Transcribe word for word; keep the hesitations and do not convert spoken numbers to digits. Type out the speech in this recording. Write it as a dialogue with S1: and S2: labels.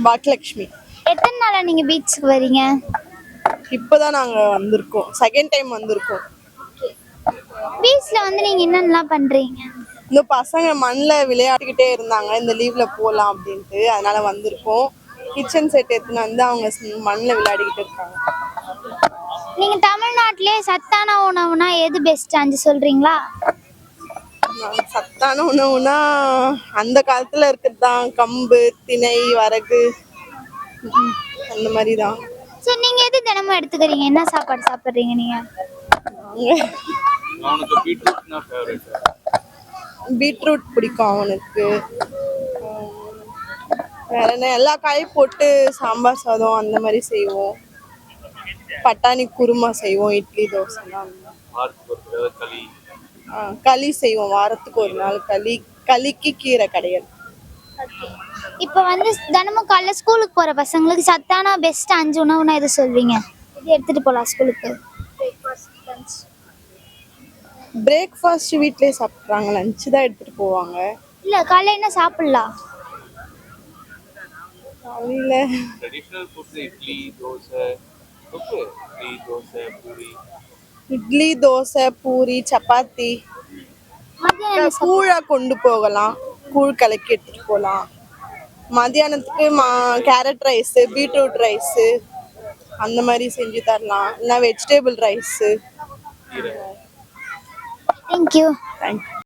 S1: பாக்கியலட்சுமி.
S2: எத்தனை நாளா நீங்க பீச்சுக்கு வரீங்க?
S1: இப்பதான் நாங்க வந்திருக்கோம், செகண்ட் டைம் வந்திருக்கோம்.
S2: பீச்ல வந்து நீங்க என்னென்னலாம் பண்றீங்க?
S1: இந்த பசங்க மண்ணில் விளையாடிக்கிட்டே இருந்தாங்க, இந்த லீவ்ல போகலாம் அப்படின்ட்டு, அதனால வந்திருக்கோம். கிச்சன் செட் எடுத்துன்னு வந்து அவங்க மண்ணில் விளையாடிக்கிட்டு இருக்காங்க.
S2: நீங்க தமிழ்நாட்டிலே சத்தான உணவுனா எது பெஸ்ட் அஞ்சு சொல்றீங்களா?
S1: சத்தான உணவுனா அந்த காலத்துல இருக்கிறது தான், கம்பு, திணை, வரகு, அந்த மாதிரி தான்.
S2: சரி, நீங்க எது தினமும் எடுத்துக்கிறீங்க? என்ன சாப்பாடு சாப்பிடுறீங்க நீங்க?
S1: பீட்ரூட் பிடிக்கும் அவனுக்கு. வேற என்ன, எல்லா காயும் போட்டு சாம்பார் சாதம் அந்த மாதிரி செய்வோம். பட்டாணி குருமா செய்வோம், இட்லி தோசைலாம். களி செய்வோம், வாரத்துக்கு ஒரு நாள் களி. களிக்கு கீரை கிடையாது.
S2: இப்போ வந்து தினமும் காலைல ஸ்கூலுக்கு போற பசங்களுக்கு சத்தான பெஸ்ட் அஞ்சு உணவுனா எது சொல்வீங்க? இது எடுத்துட்டு போகலாம் ஸ்கூலுக்கு.
S1: பிரேக்ஃபாஸ்ட் வீட்லயே சாப்பிட்றாங்க, லஞ்ச் தான் எடுத்துட்டு போவாங்க.
S2: இல்ல காலைல என்ன சாப்பிடலாம்?
S1: காலையில
S3: traditional foods idli dosa okay idli dosa puri
S1: idli dosa puri chapati. கூழா கொண்டு போகலாம், கூழ் கலக்கி எடுத்துட்டு போகலாம். மத்தியானத்துக்கு மா கேரட் ரைஸு, பீட்ரூட் ரைஸு அந்த மாதிரி செஞ்சு தரலாம், இல்லைனா வெஜிடபிள் ரைஸு.
S2: தேங்க்யூ.
S1: தேங்க்யூ.